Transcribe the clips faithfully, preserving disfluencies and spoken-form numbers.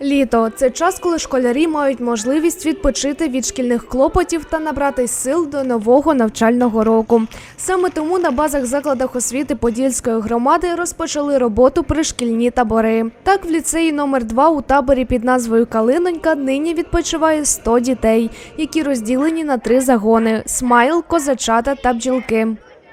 Літо – це час, коли школярі мають можливість відпочити від шкільних клопотів та набрати сил до нового навчального року. Саме тому на базах закладах освіти Подільської громади розпочали роботу пришкільні табори. Так, в ліцеї номер два у таборі під назвою «Калинонька» нині відпочиває сто дітей, які розділені на три загони – «Смайл», «Козачата» та «Бджілки».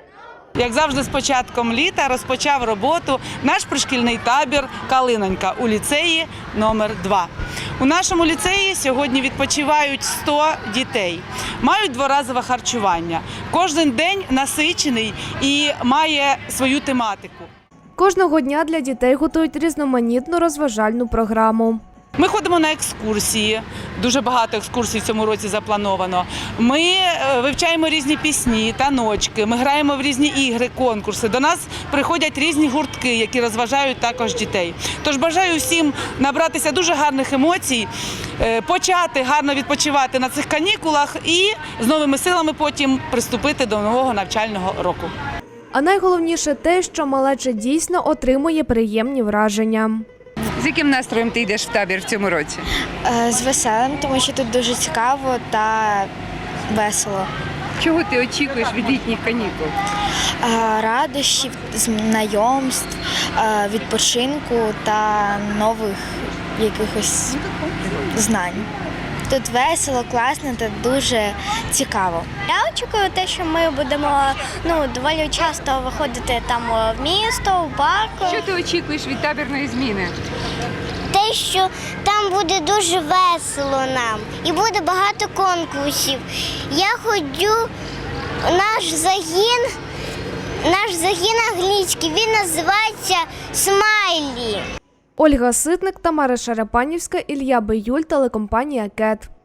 Як завжди, з початком літа розпочав роботу наш пришкільний табір «Калинонька» у ліцеї номер два. У нашому ліцеї сьогодні відпочивають сто дітей, мають дворазове харчування. Кожен день насичений і має свою тематику. Кожного дня для дітей готують різноманітну розважальну програму. Ми ходимо на екскурсії, дуже багато екскурсій в цьому році заплановано. Ми вивчаємо різні пісні, таночки, ми граємо в різні ігри, конкурси. До нас приходять різні гуртки, які розважають також дітей. Тож бажаю всім набратися дуже гарних емоцій, почати гарно відпочивати на цих канікулах і з новими силами потім приступити до нового навчального року. А найголовніше те, що малеча дійсно отримує приємні враження. З яким настроєм ти йдеш в табір в цьому році? З веселим, тому що тут дуже цікаво та весело. Чого ти очікуєш від літніх канікул? Радощів, знайомств, відпочинку та нових якихось знань. Тут весело, класно та дуже цікаво. Я очікую те, що ми будемо ну, доволі часто виходити там в місто, в парк. Що ти очікуєш від табірної зміни? Те, що там буде дуже весело нам і буде багато конкурсів. Я ходжу, наш загін, наш загін англійський, він називається «Смайлі». Ольга Ситник, Тамара Шарапанівська, Ілля Биюль, телекомпанія «Кет».